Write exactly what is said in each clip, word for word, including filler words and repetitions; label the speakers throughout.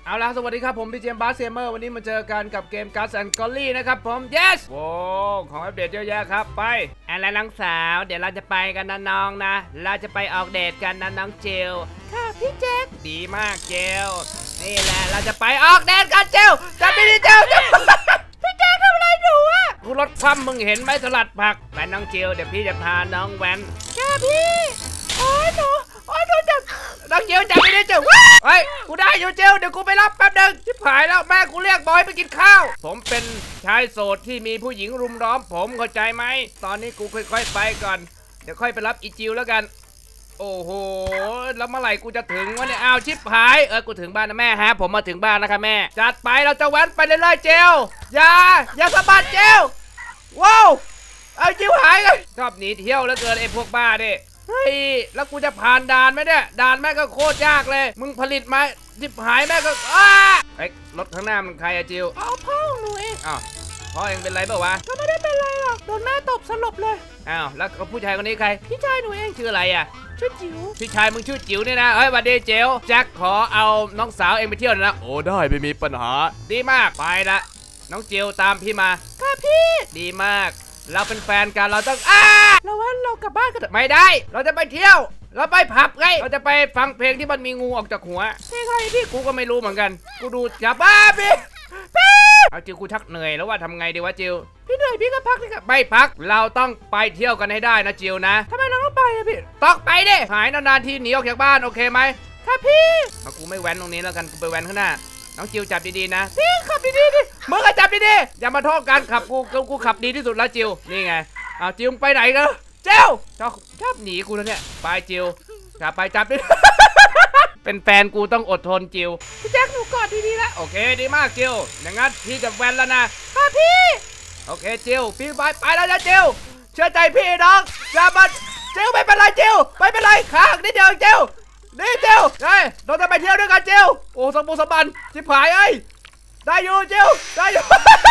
Speaker 1: เอาล่ะสวัสดีครับผมพี่เจมส์บาสเซมเมอร์วันนี้มาเจอกันกับเกม Guts and Golly นะครับผม yes โว้ของอัปเดตเยอะแยะครับไปอะไรน้องสาวเดี๋ยวเราจะไปกันนะน้องนะเราจะไปออกเดทกันนะน้องเจลค่ะพี่แจ็คดีมากเจลนี่แหละเราจะไปออกเดทกันเจลจะไปดิเจลพี่แจ็คทำอะไรหนูอะกูรถคว่ำมึงเห็นไหมสลัดผักไปน้องเจลเดี๋ยวพี่จะพาน้องแว้นค่ะพี่โอ้ยหนูโอ้ยโดนจับน้องเจลจับไม่ได้เจลเฮ้ยกูได้อยู่เจลเดี๋ยวกูไปรับแป๊บนึงชิบหายแล้วแม่กูเรียกบอยไปกินข้าวผมเป็นชายโสดที่มีผู้หญิงรุมล้อมผมเข้าใจไหมตอนนี้กูค่อยๆไปก่อนเดี๋ยวค่อยไปรับอีจิวแล้วกันโอ้โหแล้วเมื่อไหร่กูจะถึงวะเนี่ยอ้าวชิบหายเออกูถึงบ้านนะแม่ฮะผมมาถึงบ้านนะคะแม่จัดไปเราจะแว้นไปเรื่อยๆเจลอย่าอย่าสะบัดเจลว้าวเอาจิวหายเลยชอบหนีเที่ยวแล้วเกินไอ้พวกบ้าดิเฮ้ยแล้วกูจะผ่านด่านไหมเนี่ยด่านแม่ก็โคตรยากเลยมึงผลิตไหมจิบหายแม่ก็อ้าไอ้รถข้างหน้ามันใครอะจิวอ๋อพ่อหนูเองอ้าวพ่อเองเป็นไรเปล่าวะก็ไม่ได้เป็นไรหรอกโดนแม่ตบสลบเลยอ้าวแล้วผู้ชายคนนี้ใครพี่ชายหนูเองชื่ออะไรอะชื่อจิ๋วพี่ชายมึงชื่อจิ๋วเนี่ยนะเฮ้ยวันดีเจ๋วแจ็คขอเอาน้องสาวเองไปเที่ยวนะโอ้ได้ไม่มีปัญหาดีมากไปละน้องจิ๋วตามพี่มาค่ะพี่ดีมากเราเป็นแฟนกันเราต้องอ้าเราว่าเรากลับบ้านกันไม่ได้เราจะไปเที่ยวเราไปผับไงเราจะไปฟังเพลงที่มันมีงูออกจากหัวเพลงอะไรพี่กูก็ไม่รู้เหมือนกันกูดูจับบ้าพี่พี่เอาจิวกูชักเหนื่อยแล้วว่าทำไงดีวะจิวพี่เหนื่อยพี่ก็พักเลยครับไม่พักเราต้องไปเที่ยวกันให้ได้นะจิวนะทำไมเราต้องไปอะพี่ต้องไปดิหายนานๆทีหนีออกจากบ้านโอเคไหมครับพี่เอากูไม่แว้นตรงนี้แล้วกันกูไปแว้นข้างหน้าน้องจิวจับดีๆนะพี่ขับดีๆดิมึงก็จับดีๆอย่ามาท้อกันขับกูกูขับดีที่สุดแล้วจิวนี่ไงเอาจิวไปไหนกันเจ้าชอบชอบหนีกูแล้วเนี่ยไปจิวจับไปจับดิ เป็นแฟนกูต้องอดทนจิวพี่แจ็คหนูกอดดีๆแล้วโอเคดีมากจิวอย่างงั้นพี่จะแว้นแล้วนะค่ะพี่โอเคจิวพี่ไปไปแล้วนะจิวเชื่อใจพี่น้องอย่ามาจิวไม่เป็นไรจิวไม่เป็นไรข้างนิดเดียวจิวนี่เจลเฮ้ยเราจะไปเที่ยวด้วยกันเจลโอ้สมบูรณ์สมบันจิบหายเอ้ยได้อยู่เจลได้อยู่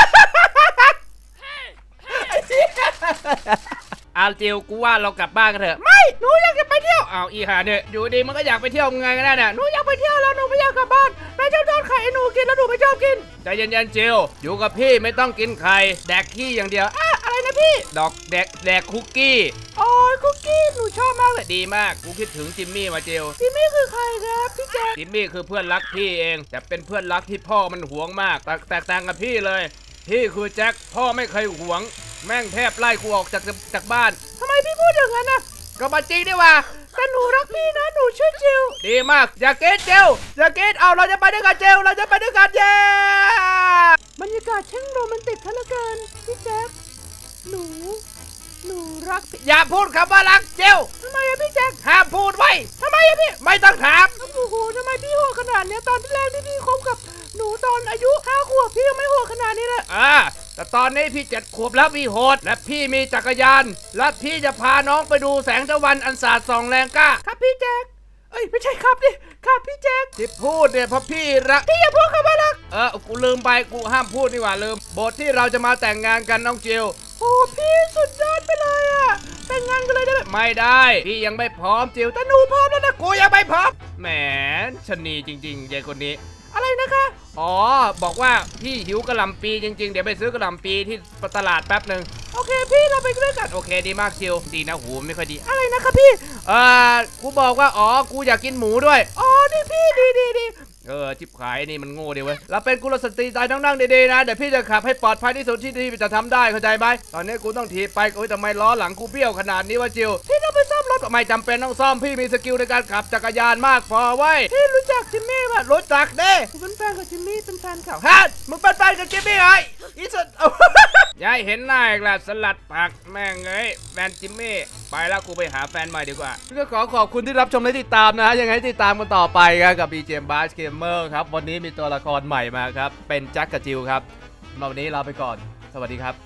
Speaker 1: อาเจลกูว่าเรากลับบ้านกันเถอะไม่หนูอยากจะไปเที่ยวอ้าวอีหาเนี่ยอยู่ดีมันก็อยากไปเที่ยวไงกันแน่เนี่ยหนูอยากไปเที่ยวแล้วหนูไม่อยากกลับบ้านแม่ชอบทอดไข่ให้หนูกินแล้วหนูไม่ชอบกินใจเย็นๆเจลอยู่กับพี่ไม่ต้องกินไข่แดกขี้อย่างเดียวอะอะไรนะพี่ดอกแดกแดกคุกกี้โอ้ยคุกกี้หนูชอบมากเลยดีมากกูคิดถึงจิมมี่มาเจลจิมมี่คือใครครับพี่แจ๊คจิมมี่คือเพื่อนรักพี่เองแต่เป็นเพื่อนรักที่พ่อมันหวงมากแตกแตกต่างกับพี่เลยพี่คือแจ็คพ่อไม่เคยหวงแม่งแทบไล่กูออกจากจากบ้านทำไมพี่พูดอย่างนั้นนะก็มาจริงดีว่าแต่หนูรักพี่นะหนูชื่อจิวดีมากอย่าเกตเจลอย่าเกตเอาเราจะไปด้วยกันเจลเราจะไปด้วยกันเย้บรรยากาศช่างโรแมนติกซะเหลือเกินพี่แจ็คหนูหนูรักอย่าพูดคำว่ารักเจลทำไมอะพี่แจ็คห้ามพูดไว้ทำไมอะพี่ไม่ต้องถามโอ้โหทำไมพี่โหดขนาดนี้ตอนที่แรกที่พี่คบกับหนูตอนอายุห้าขวบพี่ยังไม่โหดขนาดนี้เลยอ่าแต่ตอนนี้พี่เจ็ดขวบแล้วพี่โหดและพี่มีจักรยานและพี่จะพาน้องไปดูแสงตะวันอันสาดส่องแรงกล้าครับพี่แจ็คเอ้ยไม่ใช่ครับดิครับพี่แจ็คที่พูดเนี่ยเพราะพี่รักพี่อย่าพูดคำว่ารักเออกูลืมไปกูห้ามพูดนี่หว่าลืมบทที่เราจะมาแต่งงานกันน้องจิวโอ้พี่สุดยอดไปเลยอะแต่งงานกันเลยได้ไหมไม่ได้พี่ยังไม่พร้อมจิวแต่หนูพร้อมแล้วนะกูยังไม่พร้อมแหมชนีจริงๆยายคนนี้อะไรนะคะอ๋อบอกว่าพี่หิวกระหล่ำปีจริงๆเดี๋ยวไปซื้อกระหล่ำปีที่ตลาดแป๊บหนึ่งโอเคพี่เราไปด้วยกันโอเคดีมากจิวดีนะหูไม่ค่อยดีอะไรนะคะพี่เออกูบอกว่าอ๋อกูอยากกินหมูด้วยอ๋อนี่พี่ดีดีดีเออจิบขายนี่มันโง่ดีเว้ยเราเป็นกุลสตรีใจนั่งๆดีๆนะเดี๋ยวพี่จะขับให้ปลอดภัยที่สุดที่ที่จะทำได้เข้าใจไหมตอนนี้กูต้องถีบไปโอ้ยทำไมล้อหลังกูเบี้ยวขนาดนี้วะจิวพี่ต้องไปซ่อมรถไม่จำเป็นต้องซ่อมพี่มีสกิลในการขับจักรยานมากพอไว้พี่รู้จักจิมมี่ป่ะรู้จักเด้กูเป็นแฟนกับจิมมี่เป็นแฟนเขาฮะมึงเป็นแฟนกับจิมมี่ไงอีสุด ยายเห็นหน้าอีกแล้วสลัดผักแม่งเอ้ยแฟนจิมมี่ไปแล้วกูไปหาแฟนใหม่ดีกว่าก็ขอขอบคุณที่รับชมและติดตามนะฮะยังไงติดตามกันต่อไปครับกับ บี เจ เอ็ม Bass Gamer ครับวันนี้มีตัวละครใหม่มาครับเป็นแจ็คกับจิวครับวันนี้ลาไปก่อนสวัสดีครับ